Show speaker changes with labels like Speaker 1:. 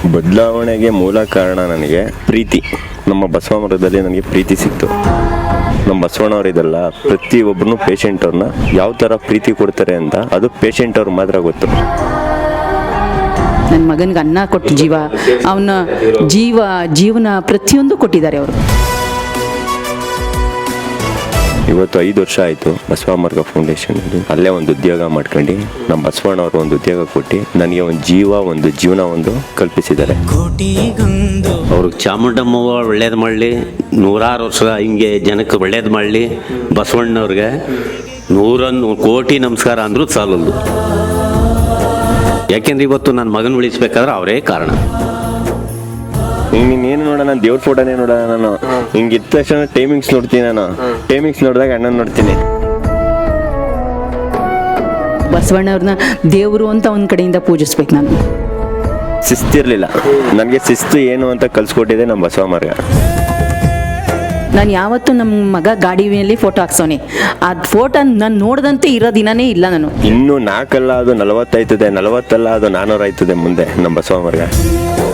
Speaker 1: ಬದಲಾವಣೆಗೆ ಮೂಲ ಕಾರಣ ನನಗೆ ಪ್ರೀತಿ. ನಮ್ಮ ಬಸವ ಮರದಲ್ಲಿ ನನಗೆ ಪ್ರೀತಿ ಸಿಕ್ತು. ನಮ್ಮ ಬಸವಣ್ಣವ್ರಿದಲ್ಲ, ಪ್ರತಿಯೊಬ್ಬರು ಪೇಷಂಟ್ ಅವ್ರನ್ನ ಯಾವ ಥರ ಪ್ರೀತಿ ಕೊಡ್ತಾರೆ ಅಂತ ಅದು ಪೇಷಂಟ್ ಅವ್ರಿಗೆ ಮಾತ್ರ ಗೊತ್ತು.
Speaker 2: ನನ್ನ ಮಗನಿಗೆ ಅನ್ನ ಕೊಟ್ಟು ಅವನ ಜೀವನ ಪ್ರತಿಯೊಂದು ಕೊಟ್ಟಿದ್ದಾರೆ ಅವರು.
Speaker 1: ಇವತ್ತು 5 ವರ್ಷ ಆಯಿತು ಬಸವ ಮಾರ್ಗ ಫೌಂಡೇಶನಲ್ಲಿ. ಅಲ್ಲೇ ಒಂದು ಉದ್ಯೋಗ ಮಾಡ್ಕೊಂಡು ನಮ್ಮ ಬಸವಣ್ಣವರು ಒಂದು ಉದ್ಯೋಗ ಕೊಟ್ಟು ನನಗೆ ಒಂದು ಜೀವನ ಕಲ್ಪಿಸಿದ್ದಾರೆ.
Speaker 3: ಅವ್ರಿಗೆ ಚಾಮುಂಡಮ್ಮವ್ವ ಒಳ್ಳೇದು ಮಾಡಲಿ, 100 ವರ್ಷ ಹಿಂಗೆ ಜನಕ್ಕೆ ಒಳ್ಳೇದು ಮಾಡಲಿ. ಬಸವಣ್ಣವ್ರಿಗೆ 100 ಕೋಟಿ ನಮಸ್ಕಾರ ಅಂದರೂ ಸಾಲದು. ಯಾಕೆಂದ್ರೆ ಇವತ್ತು ನನ್ನ ಮಗನ ಉಳಿಸ್ಬೇಕಾದ್ರೆ ಅವರೇ ಕಾರಣ.
Speaker 1: ನೀನೇನು ನೋಡ, ನಾನು ದೇವ್ರ ಫೋಟೋನೇ ನೋಡ. ನಾನು ಹಿಂಗೆ ಇದ್ದ ತಕ್ಷಣ ಟೈಮಿಂಗ್ಸ್ ನೋಡ್ತೀನಿ. ನಾನು ಟೈಮಿಂಗ್ಸ್ ನೋಡಿದಾಗ ಅಣ್ಣನ ನೋಡ್ತೀನಿ.
Speaker 2: ಬಸವಣ್ಣವ್ರನ್ನ ದೇವರು ಅಂತ ಒಂದು ಕಡೆಯಿಂದ ಪೂಜಿಸ್ಬೇಕು. ನಾನು
Speaker 1: ಶಿಸ್ತಿರ್ಲಿಲ್ಲ, ನನಗೆ ಶಿಸ್ತು ಏನು ಅಂತ ಕಲ್ಸ್ಕೊಟ್ಟಿದೆ ನಮ್ಮ ಬಸವ ಮಾರ್ಗ.
Speaker 2: ನಾನು ಯಾವತ್ತೂ ನಮ್ಮ ಮಗ ಗಾಡಿ ಮೇಲೆ ಫೋಟೋ ಹಾಕ್ಸೋನೆ, ಆ ಫೋಟೋ ನಾನು ನೋಡ್ದಂತೆ ಇರೋ ದಿನನೇ ಇಲ್ಲ. ನಾನು
Speaker 1: ಇನ್ನೂ 4 ಅಲ್ಲ ಅದು 40 ಆಯ್ತದೆ, 40 ಅಲ್ಲ ಅದು 400 ಆಯ್ತದೆ ಮುಂದೆ ನಮ್ಮ ಬಸವ ಮಾರ್ಗ.